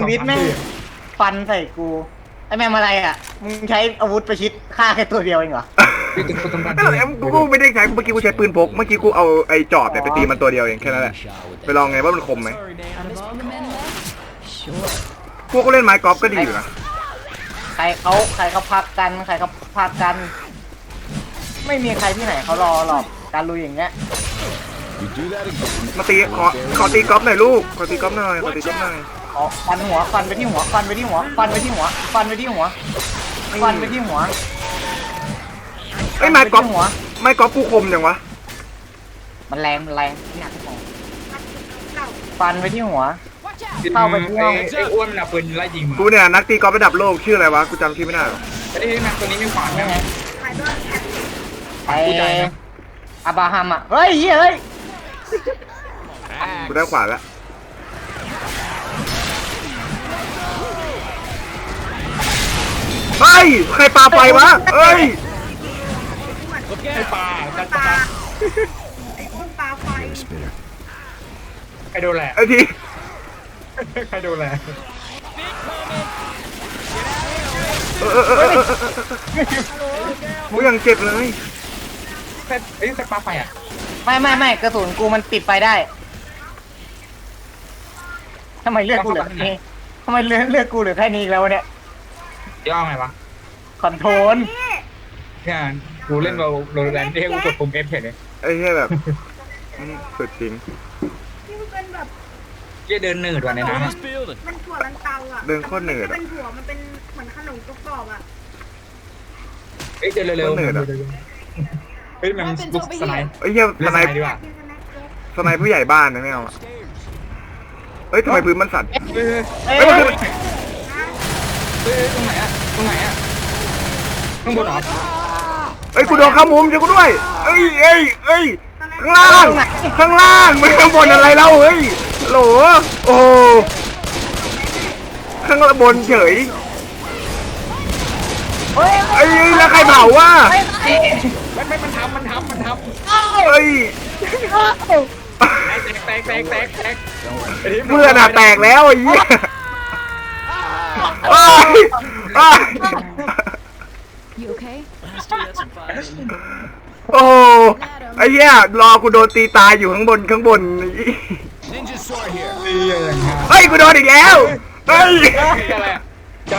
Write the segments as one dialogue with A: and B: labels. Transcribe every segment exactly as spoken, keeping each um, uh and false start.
A: วิตแม่งฟันใส่กูไอแม่งอะไรอ่ะมึงใช้อาวุธประชิดฆ่าแค่ตัวเดียวเองเหรอ
B: กูกูไม่ได้ใช้เมื่อกี้กูใช้ปืนพกเมื่อกี้กูเอาไอ้จอบเนี่ยไปตีมันตัวเดียวเองแค่นั้นแหละไปลองไงว่ามันคมไหมพวกก็เล่นไม้กอล์ฟก็ดีอยู่นะ
A: ใครเขาใครเขาพักกันใครเขาพักกัน ไม่มีใครที่ไหนเขารอหรอกการลุยอย่างเงี้ย
B: มาตีขอขอตีกอล์ฟหน่อยลูกขอตีกอล์ฟหน่อยขอตีกอล์ฟหน่อย
A: ขอฟันหัวฟันไปที่หัวฟันไปที่หัวฟันไปที่หัวฟันไปที่หัวฟันไปที่หัว
B: ไอ้ไม้กอล์ฟหัวไม้กอล์ฟกูคมจังวะ
A: มันแรงมันแรงหนักของฟันไปที่หัวเข้าไปที่ห้อง
C: ไอ้อ้วนมันเอาปืนไล่ยิง
B: กูเนี่ยนักตีกอล์ฟระดับโลกชื่ออะไรวะกูจำชื่อไม่ได้
C: ไอ้ที่นักตัวนี้ไม่ขวานไง
A: ไอ้อาบราฮัมอ่ะเฮ้ยเฮ้ย
B: กูได้ขวานแล้วเฮ้ยใครปาไฟวะเฮ้ย
C: ไอ้ปลาปลา
D: ไอ้คนปลาไฟ
C: ใครโดนแหละ
B: ไอ้ที
C: ใครโดนแหละ
B: กูยังเจ็บเลย
C: ไอ้ใครปลาไฟอ่ะ
A: ไม่ไม่ไม่กระสุนกูมันติดไฟได้ทำไมเลือดกูเหลือแค่นี้ทำไมเลือดเลือดกูเหลือแค่นี้แล้วเนี่ย
C: ย่อไงวะ
A: คอนโทรล
C: เนี่ยกูเล่นเราโรแลนด์ที่ให้กูกดปุ่ม F เห็นเลย
B: ไอ้เหี้ยแบบสุดจริง
D: ที่มันเป็นแบบ
C: เหี้ยเดินหนืดว่ะในน้ำ
D: มันถั่วลันเตาอ่ะ
B: เดินโคตรหนืด
D: เป็นถั่วมันเป็นเหมือนขนมกรอบอ่ะ
C: เอ้ยเดินเร็วๆเฮ้ยมันลุกสไนป์
B: ไอ้เหี้ยสไนป์สไนป์ผู้ใหญ่บ้านนะไม่เอาเฮ้ยทำไมพื้นมันสั่น
C: เฮ้ยเฮ้ยตรงไหนอะตรงไหนอะข้างบนเหรอ
B: เฮ้ยกูโดนข้ามุมเจอกูด้วยเอ้ยเอ้ยเอ้ยข้างล่างข้างล่างไม่ข้างบนอะไรเล่าเฮ้ยโหลโอ้ข้างบนเฉยเฮ้ยไอ้แล้วใครเผาวะ
C: ไม่ไม่มันทำมันทำมันทำ
B: เฮ้ย
C: แตกแตกแตกแตก
B: เมื่อน่ะแตกแล้วไอ้เหี้ยโอ้ไอ้เหี้ยรอกูโดนตีตายอยู่ข้างบนข้างบนเฮ้ยกูโดนอีกแล้วเฮ้ย
C: อะไรจัง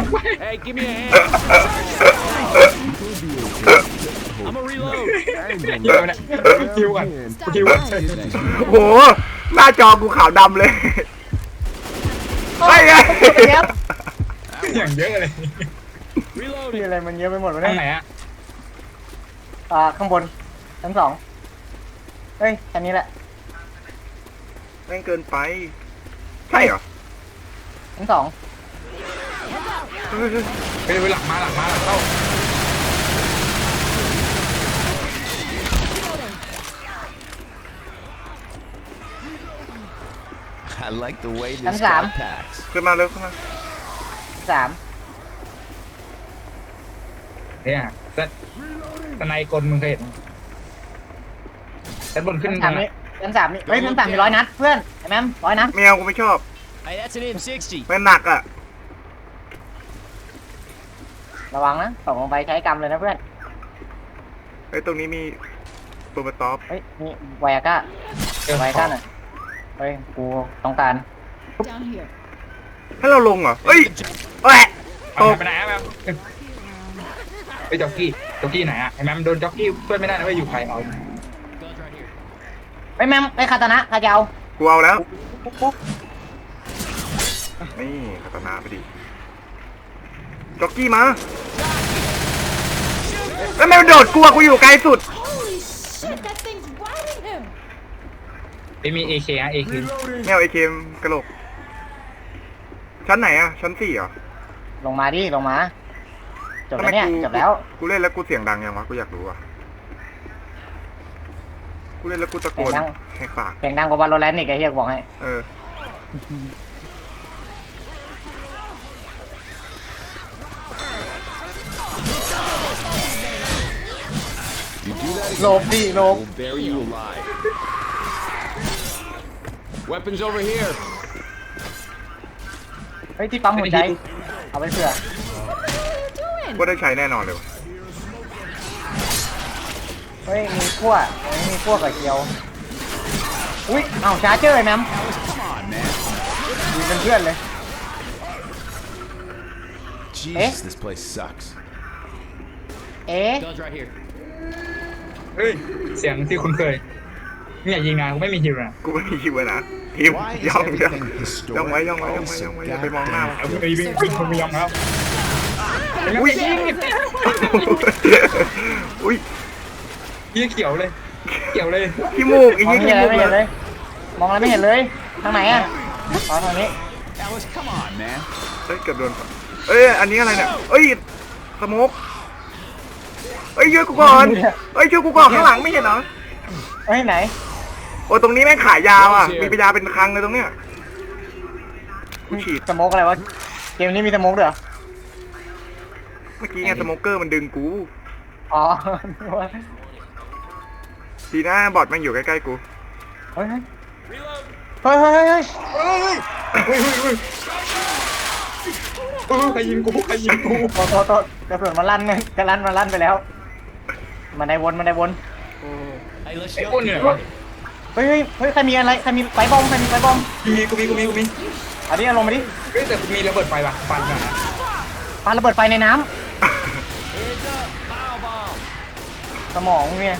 C: คิวกันคิว
B: โหหน้าจอกูขาวดำเลย
A: เฮ้ย
C: อย่างเยอะเลย
A: มีอะไรมันเยอะไปหมดเลย
C: ข้างไหนอะ
A: อ่าข้างบนชั้นสองเฮ้ยอันนี้แหละ
B: แม่งเกินไปใช่เหรอ
A: ชั้นสอง
C: ไปไปหลังมาหลังมาหลังเข้า
A: ชั้นสาม
B: ขึ้นมาเร็วขึ้นมา
A: สาม
C: เนี่ยแต่แต่ในกลมึงเคยเห็นชั้นบนขึ้น
A: ชั้นสามนี่ชั้นสามนี่เฮ้ยชั้นสามมีร้อยนัดเพื่อนไอ้แม่มร้อยนัด
B: แมวกูไม่ชอบไม่หนักอ่ะ
A: ระวังนะตกลงไปใช้กรรมเลยนะเพื่อน
B: เฮ้ยตรงนี้มีตัวมาตอป
A: เฮ้ยมีไวอาก้าไวอาก้าหน่อยเฮ้ยกูต้องการ
B: ให้เราลงเหรอเฮ้ยแหวะ
C: ตกไปไหนอะแม่ไปจ็อกกี้จ็อกกี้ไหนอะไอ้แม่โดนจ็อกกี้เพื่อนไม่ได้นะว่าอยู่ใครเอา
A: ไอ้แม่ไอ้คาตานะคาเจ้า
B: กูเอาแล้วนี่คาตานะไปดิจ็อกกี้มาแล้วแม่โดดกลัวกูอยู่ไกลสุด
C: ไม่มี เอ เค ฮะ เอ เค
B: แมว เอ เค กระโหลกชั้นไหนอะชั้นสี่เหรอ
A: ลงมาดิลงมาจบแล้วเนี่ยจบแล้ว
B: กูเล่นแล้วกูเสียงดังยังวะกูอยากรู้อะกูเล่นแล้วกูตะโกนให้ปาก
A: เสียงดังกว่าบอลโลแรนต์อีกไอ้เหี้ยบอกให้
B: เออ
A: โลบดิโลบ
E: Weapons over here
A: ฮ้ยที่ปั๊มหัวใจเอาไปเผื่อ
B: ก็ได้ใช้แน่นอนเลยวะ
A: เฮ้ยมีขั้วเฮ้ยมีขั้วกับเกียวอุ้ยเอ้าชาร์เจอร์ไอ้แมมยืนเป็นเพื่อนเลย
E: Jesus, this place sucks.
A: เอ๊ะ
E: Guns right here.
C: เฮ้ยเสียงที่คุณเคยเนี่ยยิงงานกูไม่มีฮิวนะ
B: กูไม่มีคิวนะทีม
E: Why is
B: ย่องย่อง
E: everything
B: ย่องไว้
E: historic?
B: ย่องไว้ย่องไว้
E: Oh,
B: ย่องไว้
E: so
B: อย่าไปมองหน้า
C: เอาไม่วิ่งวิ่งคนไม่ยอมแล้ว
B: อุ้ยอุ้ย
C: ยี่เขียวเลยเขียวเลย
B: ขี้มูกไอ้
A: มอง
B: ยี่
A: ไม่
B: ขี้
A: เห็น
B: มู
A: เลย
B: ก
A: ไม่
B: เล
A: เห็น
B: ย
A: เลยมองอะไรไม่เห็นเลยทางไหนอ่ะอ๋อทางนี้
E: Alice, come on, man.
B: เฮ้ยเกือบโดนเอ้ยอันนี้อะไรเนี่ยเอ้ยสโมกเอ้ยช่วยกูก่อนเอ้ยช่วยกูก่อนข้างหลังไม่เห็นเหรอ
A: เฮ้ยไหน
B: โอ้ยตรงนี้แม่งขายยาวอ่ะมีปัญญาเป็นคลังเลยตรงเนี้ยกูฉีด
A: สโมกอะไรวะเกมนี้มีสโมกด้วยเหรอ
B: เมื่อกี้ไงสโมเกอร์มันดึงกู
A: อ๋อ
B: ดีนะบอทแม่งอยู่ใกล้ๆกู
A: เฮ้ยเฮ้ยเฮ้ยเฮ้ยเฮ้ย
C: เฮ้ยเฮ้ยเฮ้ยเฮ้ยเออใครยิงกูใครยิงกู
A: โทษโทษโทษกระสุนมันลั่นไงกระลั่นมันลั่นไปแล้วมันได้วนมันได้วน
E: Hey, let's
C: ไอ้
E: go.
C: อ้วนเนี่ยวะ
A: เฮ้ยเฮ้ยเฮ้ยใครมีอะไรใครมีไฟบอมใครมีไฟบอม
C: มีกูมีกูมีกูมี
A: เอาดิเอาลงมาดิ
C: เฮ้ยแต่มีระเบิดไฟว่ะฟันกันนะ
A: ปาระเบิดไฟในน้ำสมองเนี่ย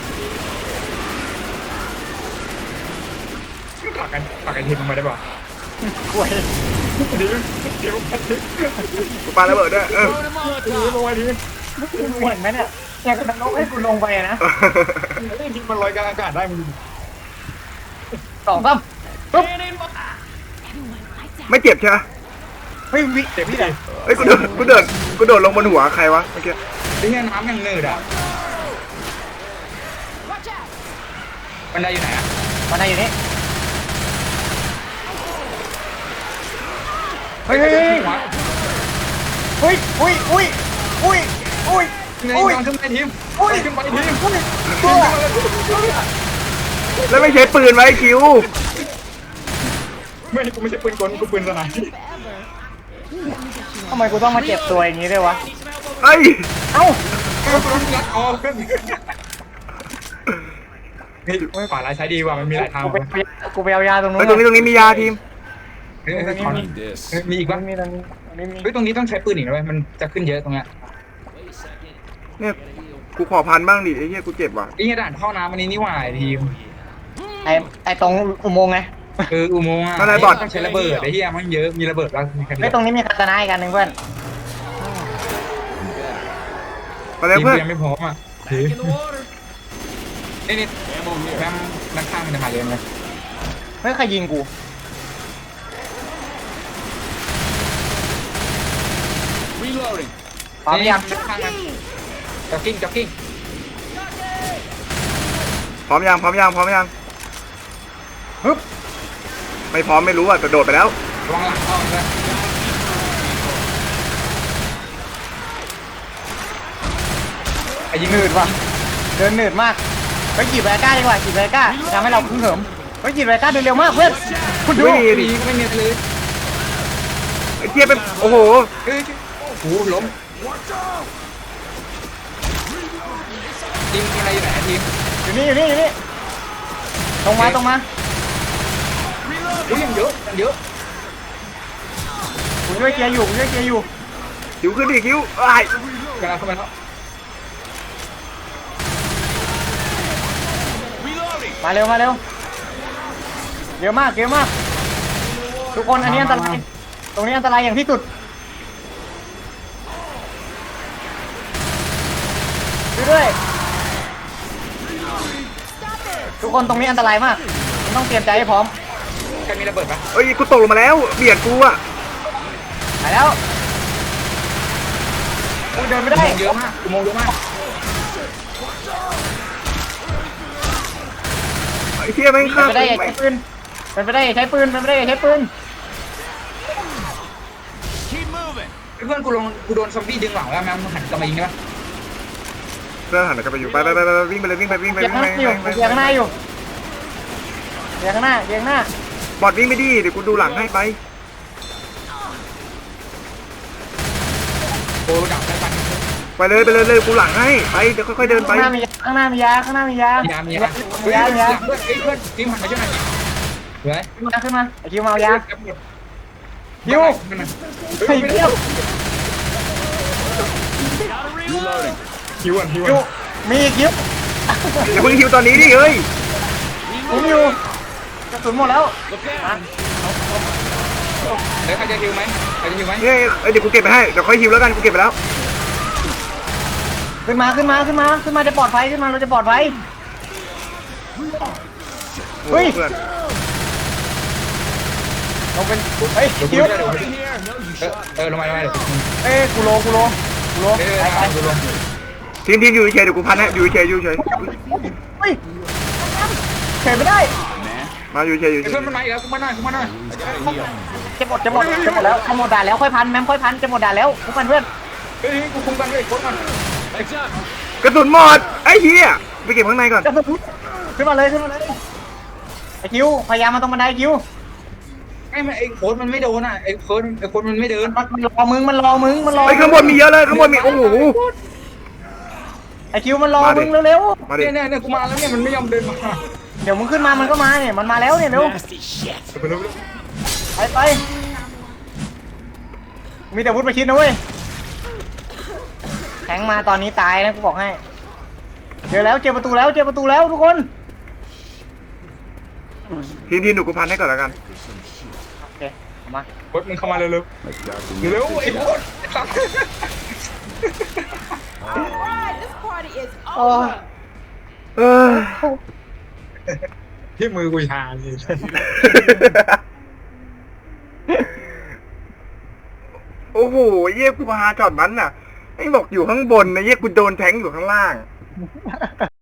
C: ปักกันปักกันทีลงมาได้ป่ะ
A: กล้วย
C: เดี๋ยวเดี๋ยว
B: กูปาระเบิดด้วยเออ
C: ลงมาดิ
A: เหมือนไหมเนี่ยอยากจะลงให้กูลงไปอะนะ
C: จริงมันลอยกลางอากาศได้มึง
A: สองสามปุ๊บ
B: ไม่เจ็บใช่ไหม
A: เฮ้ยวิ
C: เจ็บ
A: วิ
C: พี่
A: ไหน
B: เฮ้ยกูเดินกูเดินกูโดดลงบนหัวใครวะเมื่อกี้
C: ไอ้เหี้ยน้ำยังเนืดอ่ะบันไดอยู่ไหนอ่ะ
A: มาไหนอยู่นี่เฮ้ยเฮ้ยเฮ้ยเฮ้ยอุ้ยอุ้ยอุ้ยอุ้ย
C: ไง
A: อุ้ย
C: กำลังขึ้นไปทีม
A: อุ้ย
C: ขึ้นไปทีม
A: อุ้ยตัว
B: แล้วไม่ใช้ปืนไว้คิว
C: ไม่กูไม่ใช่ปืนกลกูปืนสนาม
A: ทำไมกูต้องมาเจ็บตัวอย่างนี้ด้วยวะ
B: เอ้ย
A: เอ้า
C: กูโดนยัดคอขึ้นเฮ้ยขวาลายใช้ดีว่ะมันมีหลายทาง
A: กูไปกูไปเอายาตรงนู้
B: เฮ้ย
A: น
B: ตรงนี้ตรงนี้มียาทีม
C: เฮ้ย
E: I need this.
C: มีอีก
A: มั
C: ปะ
A: นมีตรงนี้ตรงนี้มี
C: เฮ้ยตรงนี้ต้องใช้ปืนอีกนะเว้ยมันจะขึ้นเยอะตรงเนี้ย
B: เนี่ยกูขอพันบ้างดิไอ้เหี้ยกูเจ็บว่ะ
C: ไอ้เหี้ยด่านท่อน้ำอันนี้นี่หว่าไอ้ทีม
A: ไอไอตรงอุโมงค์ไง
C: เอออุโมงค์อ่ะต้องใช้ระเบิดไอ้เหี้ยมันเยอะมีระเบิดแล้วมีแค่
A: ไอตรงนี้มีคาตานาอีกอันหนึ่งเพื่อน
B: มาแล้ว
C: ทีม
B: เพื่อน
C: ยังไม่พร้อมอ่ะนี่นี่แม่งนักข้างมันจะมาเยอะเลย
A: เฮ้ยใครยิงกู
E: Reloading.
A: พร้อมยัง
C: นักข้างมันจ็อกกิ้งจ็อกกิ้ง
B: พร้อมยังพร้อมยังพร้อมยัง
A: ฮึบ
B: ไม่พร้อมไม่รู้อ่ะแต่โดดไปแล้ว
C: ระวังหลังเข้าด้วยไอ้ยิง
A: หนืดว่ะเดินหนืดมากไปจีบแวก้าดีกว่าจีบแวก้าทำให้เราพึ่งเหิมไปจีบแวก้าเดินเร็วมากเพื่อนคุณดู
B: ไม่ดี
C: ดีไม่เนียนเลย
B: ไอ้เจี๊ยบเป็นโอ้โห
C: เฮ้ยโอ้โหล้มทีมอะไรอยู่ไหนทีม
A: อยู่นี่อยู่นี่อยู่นี่ตรงมาตรงมา
C: อุ้ยยังเยอะยังเยอะ
A: ผมช่วยเคลียร์อยู่ผมช่วยเคลียร์อยู่
B: คิวขึ้นดิคิวไอ้ย
C: กำลังเข้ามาแล้ว
A: มาเร็วมาเร็วเยอะมากเยอะมาก ทุกคนอันนี้อันตรายตรงนี้อันตรายอย่างที่สุดช่วยด้วยทุกคนตรงนี้อันตรายมากต้องเตรียมใจให้พร้อม
C: ใครมีระเบิดปะ
B: เอ้ยกูตกลงมาแล้วเบียดกูอ่ะ
A: ไปแล้วกูเดินไม่ได้
C: เยอะมากอุโมงค์เยอะมาก
B: ไอ้เจี๊ยบแม่ง
A: เป็น
B: ฆ่า
A: ไปได้อย่าใช้ปืนเป็นไปได้อย่าใช้ปืนเป็นไปได้อย่าใช้ปืน
E: Keep moving.
C: เพื่อนกูลงกูโดนซอมบี้ดึงหลังแล้วแม่งหันกลับมายิงได้ปะ
B: เพื่อนหันกลับไปอยู่ไปไปไปไปวิ่งไปเลยวิ่งไปวิ่งไป
A: เบีย
B: วิ่
A: ง
B: ง
A: ข้าง
B: ไป
A: หน้าอยู่เบียงข้างหน้าอยู่เบียงข้างหน้าเบียงข้างหน้า
B: บอดวิ่งไม่ดีเดี๋ยวกูดูหลังให้ไป
C: อ้ดับได้ปะ
B: ไปเลยไปเลยเลยกูหลังให้ไปเดี๋ยวค่อยๆเดินไป
A: ข้างหน้ามียาข้างหน้ามียาข้างหน้ามียา
C: มียามียาเฮ้ย
A: ยา
C: เพื่อน
A: ยา
C: เพื่อนเพื่อนทีมหันมาช่วยหน่อยเหนื่อย
A: ขึ้นมาขึ้นมาไอคิวมาเอายา
C: ฮิว
A: ไอ้เหี้ย
E: Reloading.
C: ฮิวอ่ะฮิว
A: คิว
C: อ่ะ
A: มีอีกคิว
B: อย่าเพิ่งฮิวตอนนี้ดิเฮ้ย
A: ผมอยู่กระสุนหมดแล้ว
E: Look
A: มา
E: out.
C: เดี๋ยวใครจะฮิวไหมใครจะฮิวไหม
B: เฮ้ยเอ้ยเดี๋ยวกูเก็บไปให้เดี๋ยวค่อยฮิวแล้วกันกูเก็บไปแล้ว
A: ขึ้นมาขึ้นมาขึ้นมาขึ้นมาจะปลอดภัยขึ้นมาเราจะปลอดภัย เฮ้ย
B: เพื่อน
A: เราเป็นเฮ้ย
C: เดี๋ยวกู
A: คิว
C: ช่วยเดี๋ยวกู
E: In here. No, you
C: เออ
E: shot.
C: เออลงมาลงมาเดี๋ยว
A: เอ้ยกูโลกูโลกูโล
C: เดี๋ยว
A: ไปไป
C: เดี๋ยวลง
B: ทีมทีมอยู่เฉยเดี๋ยวกูพันให้อยู่เฉยอยู่เฉย
A: เฮ้ยเข็นไม่ได้
E: Man.
B: มาอยู่เฉยอยู่เฉ
C: เพื่อย นมันมาอีกแล้วกูมาหน่อยกูมาหน่อย
A: จะหมดจะหมดจะหมดแล้วจะหมดด่านแล้วค่อยพันแมมค่อยพันจะหมดด่านแล้วทุกคนเพื่อน
C: เฮ้ยกูคุมกันเลยโค้ดมัน
E: Heads up.
B: กระสุนหมดไอ้เหี้ยไปเก็บข้างในก่อน
A: จะขึ้นมาเลยขึ้นมาเลยไอคิวพยายามมาตรงบันไดคิว
C: ไอ้มันไอ้โค้ดมันไม่โดนอ่ะไอ้โค้ดไอ้โค้ดมันไม่เดิน
A: มันมันรอมึงมันรอมึงมันรอ
B: ไอ้ข้างบนมีเยอะเลยข้างบนมีโอ้โห
A: ไอคิวมันรอ
B: มาดิ
A: มึงเร็ว
B: มาดิ
C: เนี่ยเนี่ยเนี่ยกูมาแล้วเนี่ยมันไม่ยอมเดินมา
A: ๆเดี๋ยวมึงขึ้นมามันก็มาเนี่ยมันมาแล้วเนี่ยเร็ว
E: Nasty shit.
C: ไปเร็ว
A: ไปไปมีแต่วุฒิประชิดนะเว้ยแทงมาตอนนี้ตายนะกูบอกให้เจอแล้วเจอประตูแล้วเจอประตูแล้วทุกคน
B: ทีมทีมหนูกูพันให้ก่อนแล้วกัน
A: โอเคเอามา
C: โค้ดมึงเข้ามาเร็วเร็วเร็วไอ้โค้ดไอ้สัส
F: Alright, this party is
A: โอ้
F: over.
B: เออ
C: ที่มือกูชาเลย
B: โอ้โหเยี่ยกูพาจอดมันน่ะไอ้บอกอยู่ข้างบนนะเยี่ยกูโดนแทงอยู่ข้างล่าง